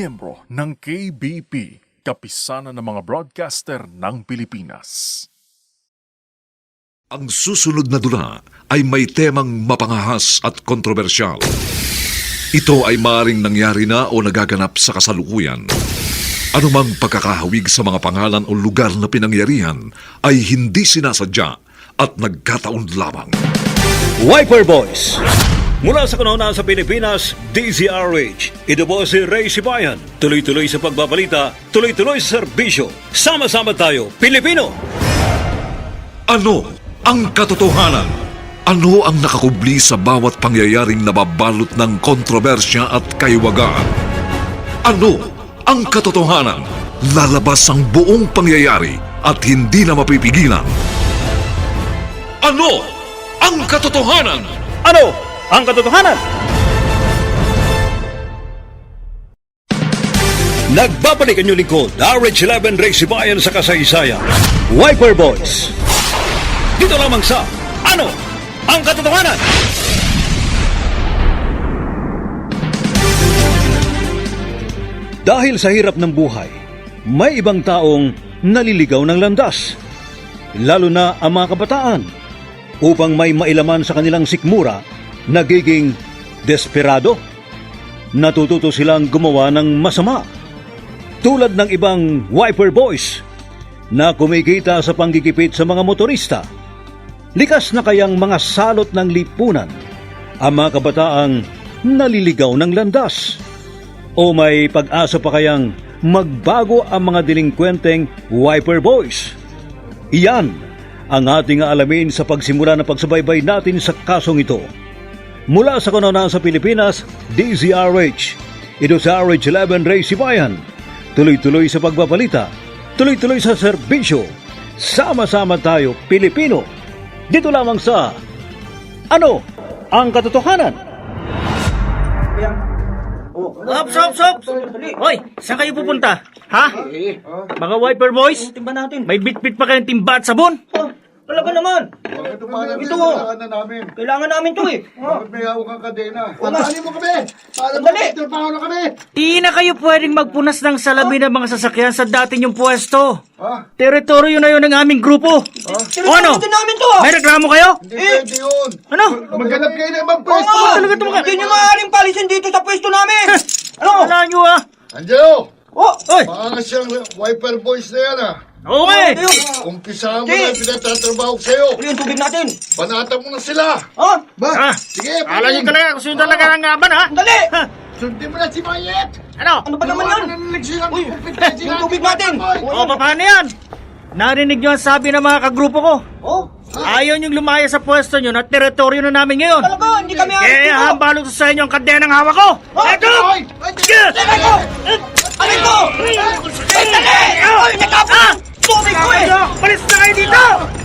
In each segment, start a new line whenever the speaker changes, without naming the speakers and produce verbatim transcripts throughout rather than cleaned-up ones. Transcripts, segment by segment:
miyembro ng K B P, Kapisanan ng mga Broadcaster ng Pilipinas.
Ang susunod na dula ay may temang mapangahas at kontrobersyal. Ito ay maaaring nangyari na o nagaganap sa kasalukuyan. Anumang pagkakahawig sa mga pangalan o lugar na pinangyarihan ay hindi sinasadya at nagkataon lamang.
Wiper Boys. Mula sa kanuna sa Pilipinas, D Z R H. Ito po si Ray Sibayan. Tuloy-tuloy sa pagbabalita, tuloy-tuloy sa serbisyo. Sama-sama tayo, Pilipino!
Ano ang katotohanan? Ano ang nakakubli sa bawat pangyayaring nababalot ng kontrobersya at kaiwagaan? Ano ang katotohanan? Lalabas ang buong pangyayari at hindi na mapipigilan. Ano ang katotohanan?
Ano ang katotohanan? Nagbabalik ang inyong lingkod, R H eleven Ray Sibayan sa kasaysayan. Wiper Boys. Dito lamang sa Ano ang katotohanan? Dahil sa hirap ng buhay, may ibang taong naliligaw ng landas, lalo na ang mga kabataan. Upang may mailaman sa kanilang sikmura, nagiging desperado. Natututo silang gumawa ng masama. Tulad ng ibang Wiper Boys na kumikita sa panggigipit sa mga motorista. Likas na kayang mga salot ng lipunan ang mga kabataang naliligaw ng landas? O may pag-asa pa kayang magbago ang mga delinkwenteng Wiper Boys? Iyan ang ating aalamin sa pagsimula ng pagsubaybay natin sa kasong ito. Mula sa kanunaan sa Pilipinas, D Z R H. Ito sa R H eleven Ray Sibayan. Tuloy-tuloy sa pagbabalita, tuloy-tuloy sa serbisyo. Sama-sama tayo, Pilipino. Dito lamang sa Ano ang katotohanan?
Ops, ops, ops! Hoy, saan kayo pupunta? Ha? Mga Wiper Boys?
Timba natin.
May bit-bit pa kayong timba at sabon?
Oh, talaga naman.
Bakit umalam
Ito,
yung
oh.
kailangan na namin?
Kailangan namin to eh.
Bakit may hawak kang kadena?
Wala.
Patahalin mo kami! Para mo,
Sandali.
trabaho na kami!
Di na kayo pwedeng magpunas ng salamin ng mga sasakyan sa dati niyong pwesto.
Ha?
Teritoryo na yun ng aming grupo. O ano?
Tinutulungan din namin to ah.
May reklamo kayo?
Hindi pwede yun!
Ano?
Maghanap kayo ng ibang
Oo
pwesto!
nga.
talaga ito mga-
Hindi nyo maaaring palisin dito sa pwesto namin. Ano?
Wala niyo ah.
Angelo!
Oh,
Oy!
Baka nga siyang Wiper Boys na yan ah!
Okay!
ano yun?
Umpisahan mo
Sige.
na yung pinatatrabaho ko sa'yo!
Ano yung tubig natin?
Banatan mo na sila!
Ha?
Ba?
Ah,
Sige,
Kala niyo
pwede.
talaga kung sino talaga ang ngaban ha?
Sandali!
Ha?
Sundin mo na si Mayet!
Ano?
Ano ba naman yan? Uy, yung tubig natin.
O paano yan? Narinig niyo ang sabi ng mga kagrupo ko.
Oh,
Ayaw niyong lumaya sa pwesto niyo at teritoryo na namin ngayon.
talaga, hindi kami aalis
Kaya
dito.
hambalot sa inyo ang kadenang hawak ko! Eto!
Hoy!
Sige!
Teka ko! Alin ko! Ay, dali! Ay, natapos! Tubig ko eh!
Palis na kayo dito!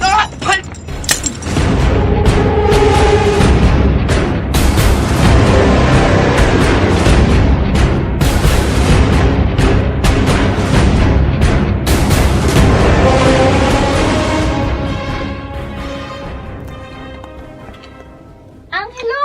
Angelo!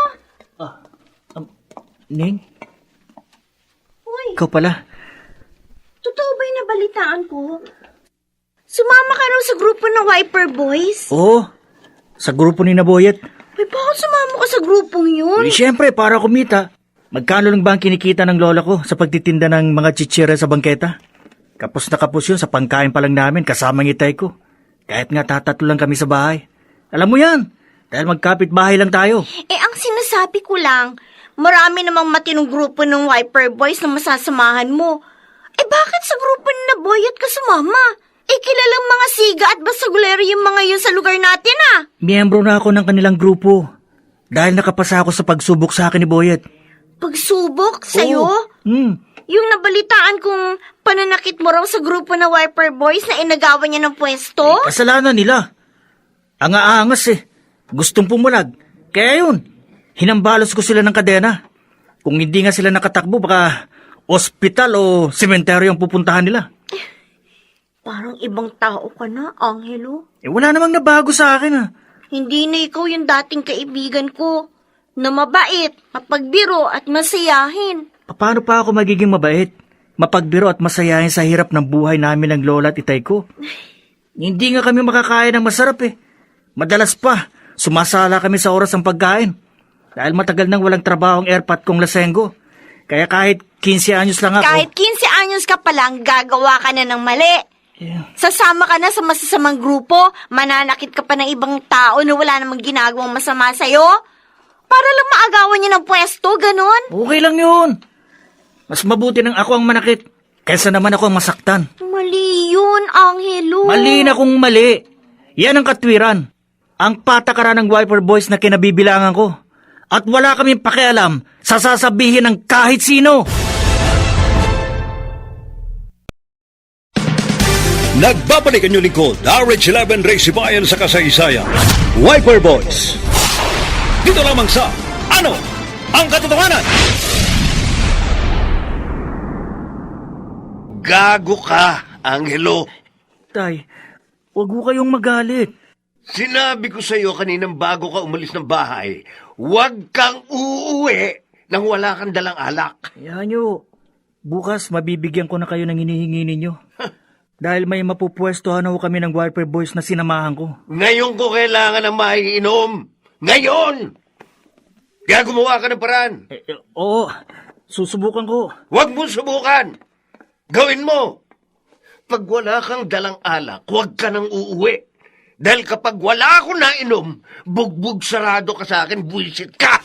Ning,
Uy,
ikaw pala.
totoo ba yung nabalitaan ko? Sumama ka raw sa grupo ng Wiper Boys?
Oo, sa grupo ni Naboyet.
Uy, bakit sumama ka sa grupong yun?
Eh, siyempre, para kumita. Magkano lang ba ang kinikita ng lola ko sa pagtitinda ng mga chichira sa bangketa? Kapos na kapos yun sa pangkain pa lang namin kasama ng itay ko. Kahit nga tatatlo lang kami sa bahay. Alam mo yan, dahil magkapit bahay lang tayo.
Eh, ang sinasabi ko lang, marami namang matinong grupo ng Wiper Boys na masasamahan mo. Eh, bakit sa grupo ni Naboyet ka sumama? Eh, kilalang mga siga at basagulero yung mga yun sa lugar natin, ah.
Miyembro na ako ng kanilang grupo. Dahil nakapasa ako sa pagsubok sa akin ni Boyet.
Pagsubok sa'yo?
Hmm.
Yung nabalitaan kong pananakit mo raw sa grupo ng Wiper Boys na inagawan niya ng pwesto?
Kasalanan nila. Ang aangas eh. Gustong pumulag. Kaya yun, hinambalos ko sila ng kadena. Kung hindi nga sila nakatakbo, baka ospital o sementeryo ang pupuntahan nila.
Parang ibang tao ka na, Angelo.
Eh wala namang nabago sa akin ah.
Hindi na ikaw yung dating kaibigan ko. Na mabait, mapagbiro at masayahin.
Paano pa ako magiging mabait? mapagbiro at masayahin sa hirap ng buhay namin ng lola at itay ko. Hindi nga kami makakain ng masarap eh. Madalas pa, sumasala kami sa oras ng pagkain. Dahil matagal nang walang trabaho ang airpat kong lasenggo. Kaya kahit fifteen anyos lang ako...
Kahit fifteen anyos ka pa lang, gagawa ka na ng mali.
Yeah.
Sasama ka na sa masasamang grupo, mananakit ka pa ng ibang tao na wala namang ginagawang masama sa'yo. Para lang maagawan niya ng pwesto, ganon.
Okay lang yun. Mas mabuti nang ako ang manakit kaysa naman ako ang masaktan.
Mali yun, Angelo.
Mali na kung mali. Yan ang katwiran. Ang patakaran ng Wiper Boys na kinabibilangan ko. At wala kaming pakialam sa sasabihin ng kahit sino.
Nagbabalik ang inyong lingkod, R H eleven Race Bayan sa kasaysayan. Wiper Boys. Dito lamang sa Ano ang Katotohanan?
Gago ka, Angelo.
Tay, wag mo kayong magalit.
Sinabi ko sa iyo kaninang bago ka umalis ng bahay, huwag kang uuwi nang wala kang dalang alak.
Hayaan nyo. Bukas mabibigyan ko na kayo ng hinihingi ninyo. Dahil may mapupwestohan ako kami ng Wiper Boys na sinamahan ko.
Ngayon ko kailangan ng maiinom. Ngayon! Kaya gumawa ka ng paraan.
Eh, eh, oo, susubukan ko.
Huwag mo subukan. Gawin mo. Pag wala kang dalang alak, huwag ka nang uuwi. Dahil kapag wala akong nainom, bugbog sarado ka sa akin, buwisit ka!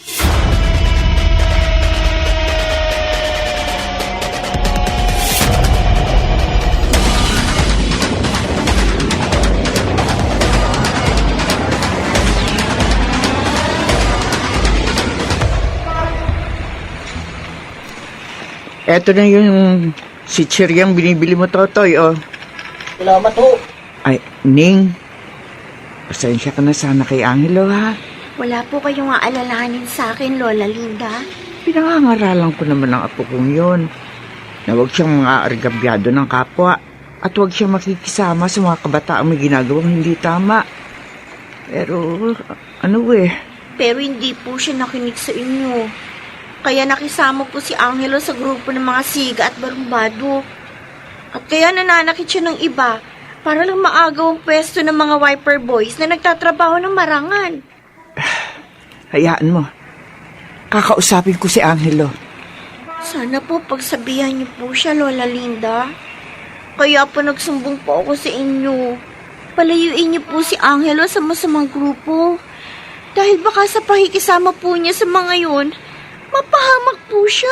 Eto na yung si Chiryang binibili mo, Totoy, oh.
Salamat ho.
Ay, Ning, pasensya ka na sana kay Angelo, ha?
Wala po kayong aalalahanin sa akin, Lola Linda.
Pinangangaralan ko naman ang apo kong yun, na huwag siyang mga argabyado ng kapwa at huwag siyang makikisama sa mga kabataang may ginagawang hindi tama. Pero, ano eh,
Pero hindi po siya nakinig sa inyo. Kaya nakisama po si Angelo sa grupo ng mga siga at barumbado. At kaya nananakit siya ng iba para lang maagaw ang pwesto ng mga Wiper Boys na nagtatrabaho ng marangal.
hayaan mo. Kakausapin ko si Angelo.
Sana po pagsabihan niyo po siya, Lola Linda. Kaya po nagsumbong po ako sa inyo. Palayuin niyo po si Angelo sa masamang grupo. Dahil baka sa pakikisama po niya sa mga yun, mapahamak po siya.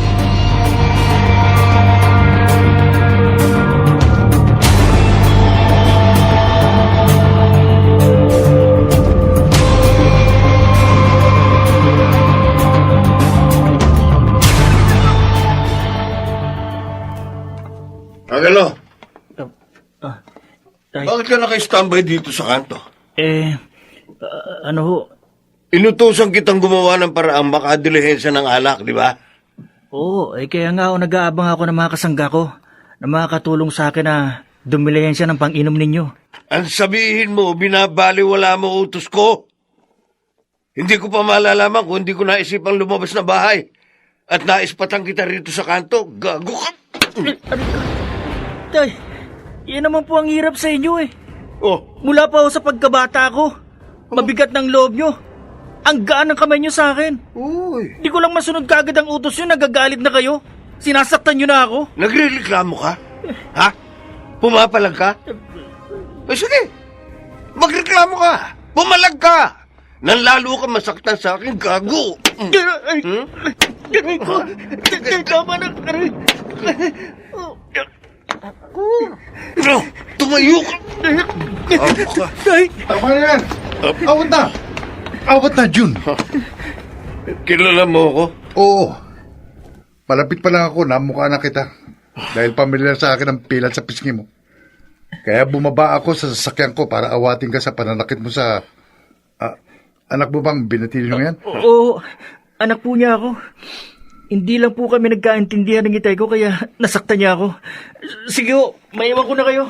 Angelo,
Ah, tay,
bakit ka naka-standby dito sa kanto?
eh, ah, ano ho?
Inutusan kitang gumawa ng paraang makadilihensya ng alak, di ba?
Oo, eh kaya nga ako nag-aabang ako ng mga kasangga ko na makakatulong sa akin na dumilihan siya ng pang-inom ninyo.
Ang sabihin mo, binabaliwala mo utos ko. Hindi ko pa malalaman kung hindi ko naisipang lumabas na bahay. At naispatang kita rito sa kanto. Gago ka!
Tay, yan naman po ang hirap sa inyo eh.
Oh,
Mula pa ako sa pagkabata ko, mabigat ng loob nyo. Ang gaan ng kamay nyo sa akin.
uy.
Di ko lang masunod kagad ang utos nyo, nagagalit na kayo. Sinasaktan nyo na ako.
Nagre-reklamo ka? Ha? Pumapalag ka? Eh sige, magreklamo ka. Pumalag ka. Nang lalo ka masaktan sa akin, gago.
Aray,
Hmm?
aray ko. Tama na, aray.
No, tumayo ka. Gago ka.
Tay,
Tama na yan. Awat na. Awat na, Jun.
Kilala mo ako?
Oo. Malapit pa lang ako, namukha na kita. Dahil pamilyar sa akin ang pilat sa pisngi mo. Kaya bumaba ako sa sasakyan ko para awatin ka sa pananakit mo sa... Ah, anak mo bang binatili mo yan?
oo, anak po niya ako. Hindi lang po kami nagkaintindihan ng itay ko kaya nasaktan niya ako. Sige ho, maiwan ko na kayo.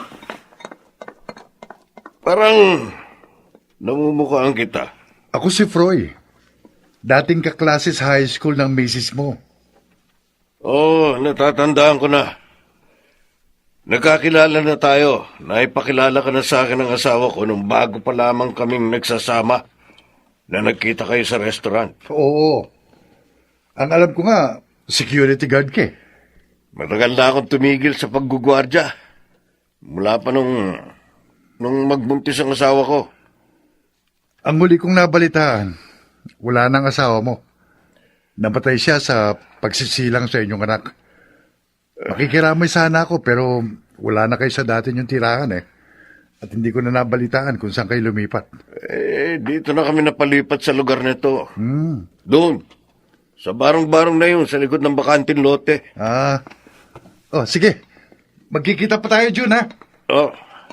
Parang namumukhaan kita.
Ako si Froy. Dating kaklase sa high school ng misis mo.
Oo, natatandaan ko na. Nagkakilala na tayo. Naipakilala ka na sa akin ng asawa ko nung bago pa lamang kaming nagsasama na nagkita kayo sa restaurant.
Oo. Ang alam ko nga, security guard ka eh.
Matagal na akong tumigil sa paggugwardya. Mula pa nung, nung magbuntis ang asawa ko.
Ang huli kong nabalitaan, wala nang asawa mo. Namatay siya sa pagsisilang sa inyong anak. Makikiramay sana ako pero wala na kayo sa dati niyong tirahan eh. At hindi ko na nabalitaan kung saan kayo lumipat.
Eh, dito na kami napalipat sa lugar nito.
Hmm.
Doon. Sa barong-barong na yun, sa likod ng bakanting lote.
Ah. Oh, sige. Magkikita pa tayo, Jun, ha?
Oh.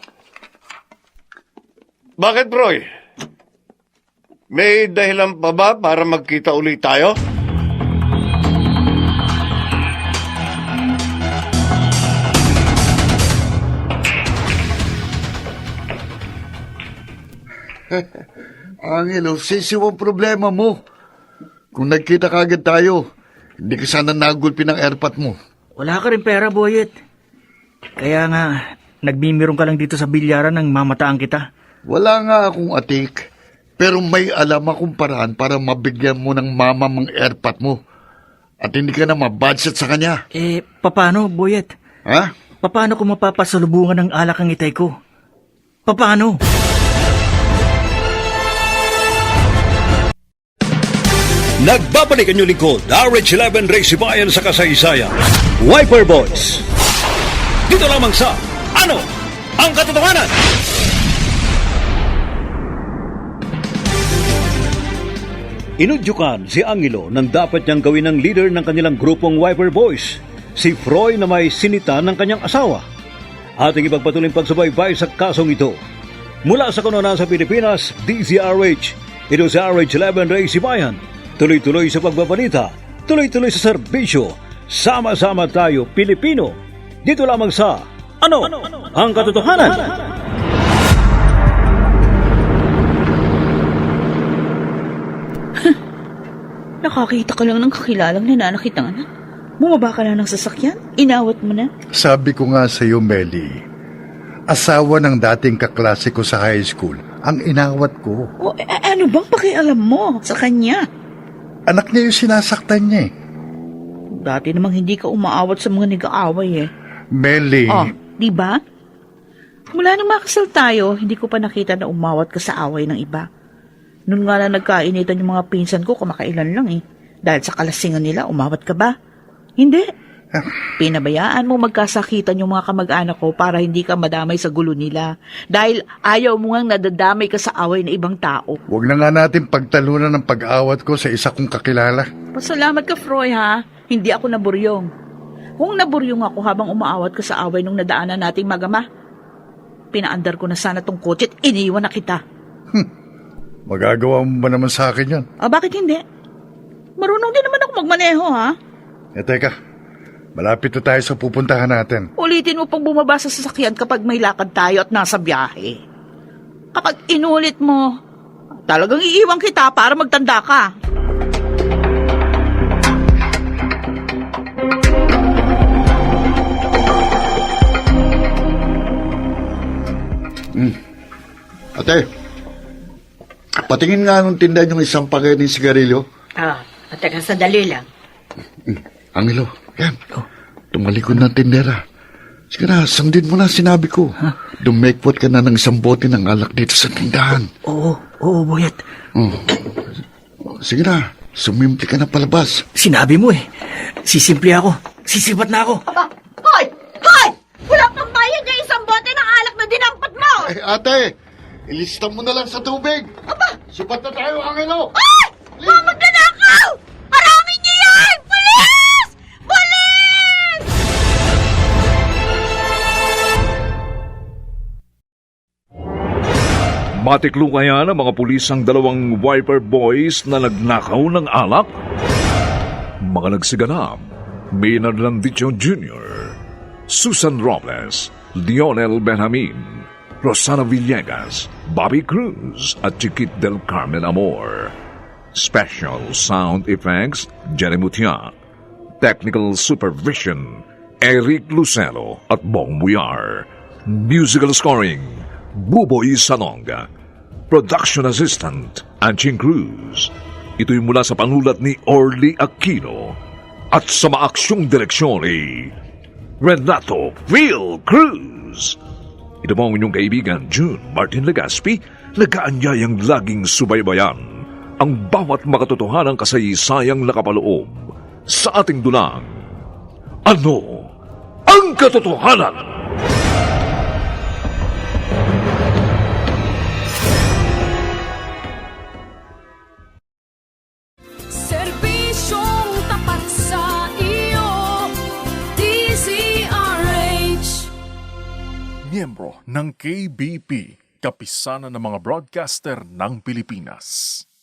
Bakit, Roy? May dahilan pa ba para magkita ulit tayo?
Angelo, sisiw ang problema mo. Kung nagkita kagad tayo, hindi ka sana nagulpi ng airpot mo.
Wala ka rin pera, Boyet. Kaya nga, nagbimirong ka lang dito sa bilyaran nang mamataan kita.
Wala nga akong atik, pero may alam akong paraan para mabigyan mo ng mama mong airpot mo. At hindi ka na mabudget sa kanya.
Eh, papano, Boyet?
Ha?
Paano kung mapapasalubungan ng alak ang itay ko? Paano?
Nagbabalik ang inyong lingkod, R H eleven Race Bayan sa kasaysayan. Wiper Boys. Dito lamang sa Ano ang Katotohanan? Inudyukan si Angelo nang dapat niyang gawin ng leader ng kanilang grupong Wiper Boys, si Froy na may sinita ng kanyang asawa. Ating ipagpatuloy ang pagsubaybay sa kasong ito. Mula sa kanunan sa Pilipinas, D Z R H, ito sa R H eleven Race Bayan. Tuloy-tuloy sa pagbabalita, tuloy-tuloy sa serbisyo. Sama-sama tayo, Pilipino. Dito lamang sa Ano ang Katotohanan?
Nakakita ka lang ng kakilalang nananakit ng anak. Bumaba ka na ng sasakyan? Inawat mo na?
Sabi ko nga sa iyo, Melly, asawa ng dating kaklase ko sa high school, ang inawat ko.
O, a- ano bang pakialam mo sa kanya?
Anak niya yung sinasaktan niya eh.
Dati namang hindi ka umaawat sa mga nag-aaway eh.
Melly,
Oh, di ba? Mula nung makasal tayo, hindi ko pa nakita na umawat ka sa away ng iba. Noon nga na nagkainitan yung mga pinsan ko, kamakailan lang eh. Dahil sa kalasingan nila, umawat ka ba? Hindi. Pinabayaan mo magkasakitan yung mga kamag-anak ko para hindi ka madamay sa gulo nila. Dahil ayaw mo ngang nadadamay ka sa away ng ibang tao.
huwag na nga natin pagtalunan ng pag-awat ko sa isa kong kakilala.
Pasalamat ka, Froy, ha? Hindi ako naburyong. Kung naburyong ako habang umaawat ka sa away nung nadaanan nating magama, pinaandar ko na sana tong kotse at iniwan na kita.
Magagawa mo ba naman sa akin yan?
Ah, bakit hindi? Marunong din naman ako magmaneho, ha?
Eh, teka. Malapit na tayo sa pupuntahan natin.
Ulitin mo pang bumaba sa sasakyan kapag may lakad tayo at nasa biyahe. Kapag inulit mo, talagang iiwan kita para magtanda ka.
Hmm. Ate, patingin nga nung tindahan yung isang paket ng sigarilyo.
Ah, at teka, sandali lang.
Hmm. Angelo, yan. Tumalikod ng tindera. Sige na, sundin mo na sinabi ko. Dumekpot ka na ng isang bote ng alak dito sa tindahan.
Oo, oo, Boyet.
Oh. Sige na, sumimple ka na palabas.
Sinabi mo eh. Sisimple ako. Sisipat na ako.
Aba, hoy! Hoy! Wala kang bayad na isang bote ng alak na dinampot mo!
Eh, ate, ilista mo na lang sa tubig.
Aba!
Sipat na tayo, Angelo.
Ay! Mga magnanakaw! Harangin niyo yan! Pulis! Pulis!
Matiklo kaya ng mga pulis ang dalawang Wiper Boys na nagnakaw ng alak? Mga nagsiganap, Maynard Landicho Junior, Susan Robles, Lionel Benjamin, Rosana Villegas, Bobby Cruz at Chiquit del Carmen Amor. Special Sound Effects, Jerry Mutia. Technical Supervision, Eric Lucero at Bong Buyar. Musical Scoring, Buboy Salonga. Production Assistant, Anching Cruz. Ito'y mula sa panulat ni Orly Aquino at sa maaksyong direksyon ni Renato Phil Cruz. Ito po ang inyong kaibigan, June Martin Legaspi, nag-aanyayang laging subaybayan ang bawat makatotohanang kasaysayang nakapaloob sa ating dulang. Ano ang katotohanan?
Serbisyong tapat sa iyo, D Z R H.
Miyembro ng K B P, Kapisanan ng mga Broadcaster ng Pilipinas.